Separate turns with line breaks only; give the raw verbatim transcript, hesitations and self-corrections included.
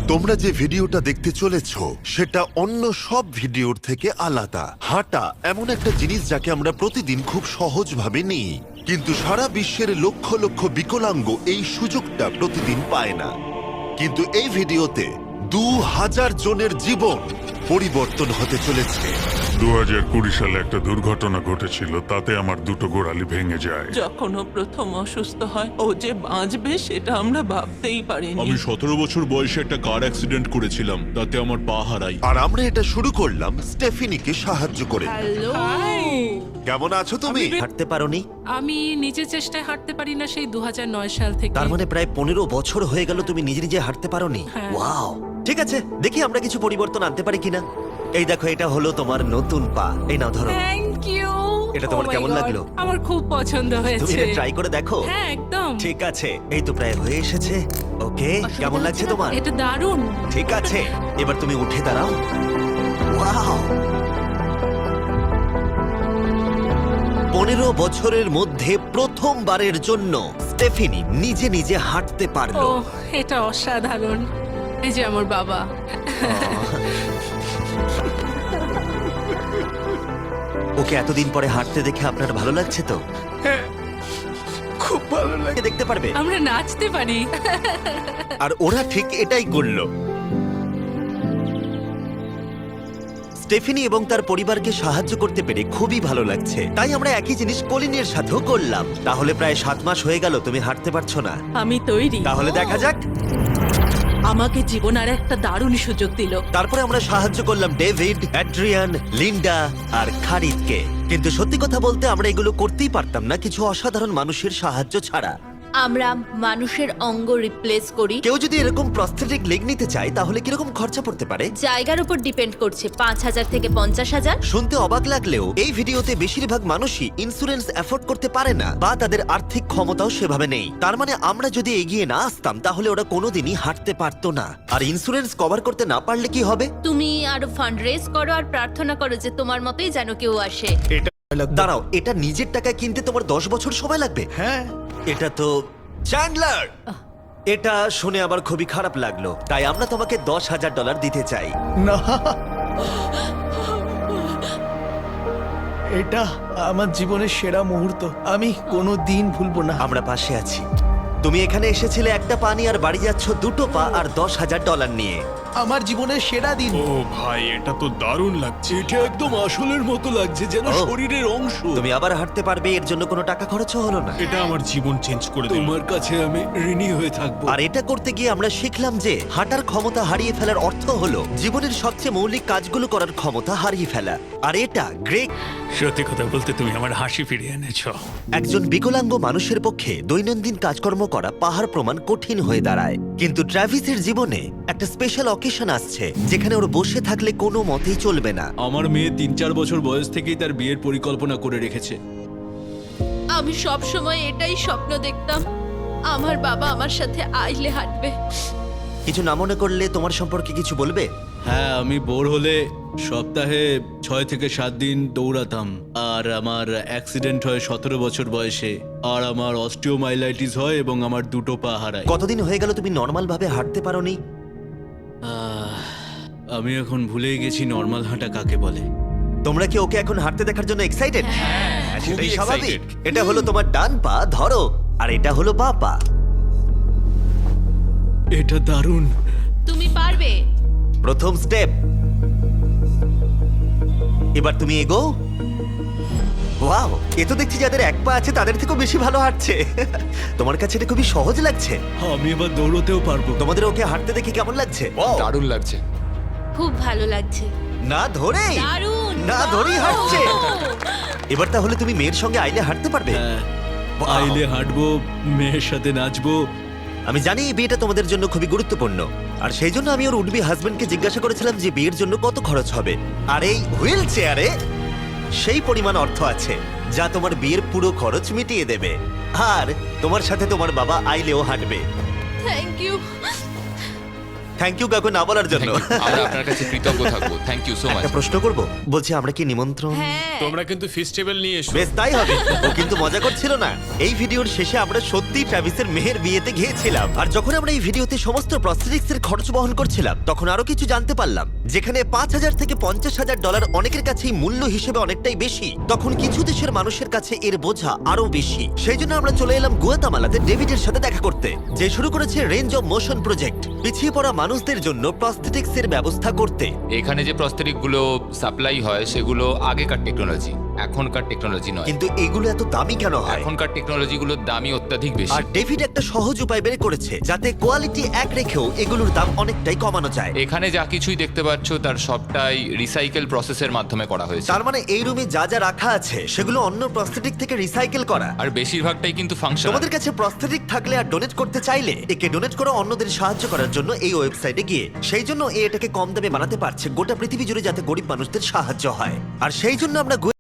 তোমরা যে ভিডিওটা দেখতে চলেছো সেটা অন্য সব ভিডিওর থেকে আলাদা। হাঁটা এমন একটা জিনিস যাকে আমরা প্রতিদিন খুব সহজভাবে নিই, কিন্তু সারা বিশ্বের লক্ষ লক্ষ বিকলাঙ্গ এই সুযোগটা প্রতিদিন পায় না। কিন্তু এই ভিডিওতে দু হাজার জনের জীবন পরিবর্তন হতে চলেছে।
দু হাজার কুড়ি সালে একটা দুর্ঘটনা ঘটেছিল, তাতে আমার দুটো গোড়ালি ভেঙে যায়।
যখন ও প্রথম অসুস্থ হয়, ও যে বাঁচবে সেটা আমরা ভাবতেই পারিনি।
আমি সতেরো বছর বয়সে একটা কার অ্যাক্সিডেন্ট করেছিলাম, তাতে আমার পা হারাই।
আর আমরা এটা শুরু করলাম স্টেফিনিকে সাহায্য করে।
হ্যালো
কেমন আছো তুমি?
হাঁটতে পারোনি?
আমি নিজের চেষ্টায় হাঁটতে পারি না সেই দু হাজার নয় সাল থেকে।
তার মানে প্রায় পনেরো বছর হয়ে গেল তুমি নিজে নিজে হাঁটতে পারোনি?
হ্যাঁ।
ওয়াও, ঠিক আছে, দেখি আমরা কিছু পরিবর্তন আনতে পারি কিনা। এই দেখো, এটা হলো তোমার নতুন পা। এই নাও, ধরো।
Thank you.
এটা তোমার কেমন লাগলো?
আমার খুব পছন্দ
তুমি
হয়েছে।
এটা ট্রাই করে দেখো।
হ্যাঁ, একদম।
ঠিক আছে, এই তো প্রায় হয়ে এসেছে। ওকে, কেমন লাগছে তোমার?
এটা দারুণ।
ঠিক আছে, এবার তুমি উঠে দাঁড়াও। ওয়াও, পনেরো বছরের মধ্যে প্রথমবারের জন্য স্টেফিনি নিজে নিজে হাঁটতে
ও,
পারলো।
এটা অসাধারণ। এই যে আমার বাবা।
ওকে এতদিন পরে হাঁটতে দেখে আপনার ভালো লাগছে তো?
খুব ভালো লাগে।
দেখতে পারবে।
আমরা নাচতে পারি।
আর ওরা ঠিক এটাই করলো। স্টেফিনি এবং তার পরিবারকে সাহায্য করতে পেরে খুবই ভালো লাগছে। তাই আমরা একই জিনিস কলিনের সাথেও করলাম। তাহলে প্রায় সাত মাস হয়ে গেল তুমি হাঁটতে পারছো না।
আমি তৈরি।
তাহলে দেখা যাক।
আমাকে জীবন আর একটা দারুণ সুযোগ দিল।
তারপরে আমরা সাহায্য করলাম ডেভিড, অ্যাড্রিয়ান, লিন্ডা আর খারিদকে। কিন্তু সত্যি কথা বলতে আমরা এগুলো করতেই পারতাম না কিছু অসাধারণ মানুষের সাহায্য ছাড়া।
আমরা মানুষের অঙ্গ রিপ্লেস করি।
কেউ যদি এরকম প্রস্থেটিক লেগ নিতে চায় তাহলে কিরকম খরচা পড়তে পারে?
জায়গার উপর ডিপেন্ড করছে, পাঁচ হাজার থেকে পঞ্চাশ হাজার।
শুনতে অবাক লাগলেও এই ভিডিওতে বেশিরভাগ মানুষই ইন্স্যুরেন্স অ্যাফোর্ড করতে পারে না, বা তাদের আর্থিক ক্ষমতাও সেভাবে নেই। তার মানে আমরা যদি এগিয়ে না আসতাম তাহলে ওরা কোনোদিনই হাঁটতে পারতো না। আর ইন্স্যুরেন্স কভার করতে না পারলে কি হবে?
তুমি আরো ফান্ড রেজ করো আর প্রার্থনা করো যে তোমার মতোই যেন কেউ আসে।
দাঁড়াও, এটা নিজের টাকায় কিনতে তোমার দশ বছর সময় লাগবে? হ্যাঁ, এটা তো চ্যান্ডলার। এটা শুনে আবার খুবই খারাপ লাগলো, তাই আমরা তোমাকে দশ হাজার ডলার দিতে চাই।
না, এটা আমার জীবনের সেরা মুহূর্ত। আমি কোনো দিন ভুলবো না।
আমরা পাশে আছি। তুমি এখানে এসেছিলে একটা পা নিয়ে আর বাড়ি যাচ্ছ দুটো পা আর দশ হাজার ডলার নিয়ে।
আমার জীবনের সেরা দিন।
ও ভাই, এটা তো দারুণ লাগছে। এটা একদম আসলের মতো লাগছে, যেন
ও।
শরীরের অংশ।
তুমি আবার হাঁটতে পারবে, এর জন্য কোনো টাকা খরচও হলো না।
এটা আমার জীবন চেঞ্জ করে দিল। তোমার কাছে আমি ঋণী হয়ে থাকবো।
আর এটা করতে গিয়ে আমরা শিখলাম যে হাঁটার ক্ষমতা হারিয়ে ফেলার অর্থ হলো জীবনের সবচেয়ে মৌলিক কাজগুলো করার ক্ষমতা হারিয়ে ফেলা। আর এটা গ্রেগ,
সত্যি কথা বলতে তুমি আমার হাসি ফিরিয়ে এনেছো।
একজন বিকলাঙ্গ মানুষের পক্ষে দৈনন্দিন কাজকর্ম করা পাহাড় প্রমাণ কঠিন হয়ে দাঁড়ায়। কিন্তু ট্রাভিসের জীবনে একটা স্পেশাল অকেশন আসছে যেখানে ওর বসে থাকলে কোনো মতেই চলবে না।
আমার মেয়ে তিন চার বছর বয়স থেকেই তার বিয়ের পরিকল্পনা করে রেখেছে।
আমি সব সময় এটাই স্বপ্ন দেখতাম, আমার বাবা আমার সাথে আইলে হাঁটবে।
কিছু না মনে করলে তোমার সম্পর্কে কিছু বলবে?
হ্যাঁ, আমি বোর হলে সপ্তাহে ছয় থেকে সাত দিন দৌড়াতাম। আর আমার অ্যাক্সিডেন্ট হয় সতেরো বছর বয়সে। আর আমার অস্টিওমাইলাইটিস হয় এবং আমার দুটো পা হারায়।
কতদিন হয়ে গেল তুমি নর্মাল ভাবে হাঁটতে পারোনি?
আহ, আমি এখন ভুলেই গেছি নর্মাল হাঁটা কাকে বলে।
তোমরা কি ওকে এখন হাঁটতে দেখার জন্য এক্সাইটেড? সেটাই
খুবই
স্বাভাবিক।
excited।
এটা হলো তোমার ডান পা, ধরো, আর এটা হলো বাঁ পা।
এটা দারুণ।
তুমি পারবে।
প্রথম স্টেপ। এবার তুমি এগো। ওয়াও, এ তো দেখছি যাদের এক পা আছে তাদের থেকেও বেশি ভালো হাঁটছে। তোমার কাছে এটা খুবই সহজ লাগছে।
আমি এবার দৌড়তেও পারবো।
তোমাদের ওকে হাঁটতে দেখে কেমন লাগছে?
দারুণ লাগছে।
খুব ভালো লাগছে।
না ধরেই
দারুণ।
না ধরেই হাঁটছে। এবার তাহলে তুমি মেয়ের সঙ্গে আইলে হাঁটতে পারবে?
হ্যাঁ,
Wow!
আইলে হাঁটবো, মেয়ের সাথে নাচবো।
আমি জানি এই বিয়েটা তোমাদের জন্য খুবই গুরুত্বপূর্ণ, আর সেই জন্য আমি ওর উডবি হাজবেন্ডকে জিজ্ঞাসা করেছিলাম যে বিয়ের জন্য কত খরচ হবে। আর এই হুইল চেয়ারে সেই পরিমাণ অর্থ আছে যা তোমার বিয়ের পুরো খরচ মিটিয়ে দেবে। আর তোমার সাথে তোমার বাবা আইলেও হাঁটবে।
Thank you.
থ্যাংক ইউ কাকু না বলার জন্য
Thank you. আমরা আপনার কাছে কৃতজ্ঞ থাকবো থ্যাংক ইউ সো মাচ
একটা প্রশ্ন করব বলছি আমরা কি নিমন্ত্রণ
হ্যাঁ
তোমরা কিন্তু ফেস্টিভ্যাল নিয়ে এসো।
বেশ তাই হবে ও কিন্তু মজা করছিল না এই ভিডিওর শেষে আমরা সত্যি ট্রাভিসের মেহের বিয়েতে গিয়েছিলাম আর যখন আমরা এই ভিডিওতে সমস্ত প্রস্থেটিক্স এর খরচ বহন করছিলাম তখন আরো কিছু জানতে পারলাম যেখানে পাঁচ হাজার থেকে পঞ্চাশ হাজার ডলার অনেকের কাছেই মূল্য হিসেবে অনেকটাই বেশি তখন কিছু দেশের মানুষের কাছে এর বোঝা আরো বেশি সেই জন্য আমরা চলে এলাম গুয়াতামালাতে ডেভিডের সাথে দেখা করতে যে শুরু করেছে রেঞ্জ অফ মোশন প্রজেক্ট পিছিয়ে পড়া মানুষদের জন্য প্রস্থেটিক্স এর ব্যবস্থা করতে
এখানে যে প্রস্তরিক গুলো সাপ্লাই হয় সেগুলো আগেকার টেকনোলজি এখনকার টেকনোলজি নয়
কিন্তু এগুলো এত দামি কেন হয়
এখনকার টেকনোলজি গুলোর দামই অত্যাধিক বেশি
আর ডেভিড একটা সহজ উপায় বের করেছে যাতে কোয়ালিটি এক রেখেও এগুলোর দাম অনেকটাই কমানো যায়
এখানে যা কিছুই দেখতে পাচ্ছ তার সবটাই রিসাইকেল প্রসেসের মাধ্যমে করা হয়েছে
তার মানে এই রুমে যা যা রাখা আছে সেগুলো অন্য প্রস্থেটিক থেকে রিসাইকেল করা
আর বেশিরভাগটাই কিন্তু ফাংশন
তোমাদের কাছে প্রস্থেটিক থাকলে আর ডোনেট করতে চাইলে একে ডোনেট করো অন্যদের সাহায্য করার জন্য এই ওয়েবসাইটে গিয়ে সেই জন্য এ এটাকে কম দামে বানাতে পারছে গোটা পৃথিবী জুড়ে যাতে গরিব মানুষদের সাহায্য হয় আর সেই জন্য আমরা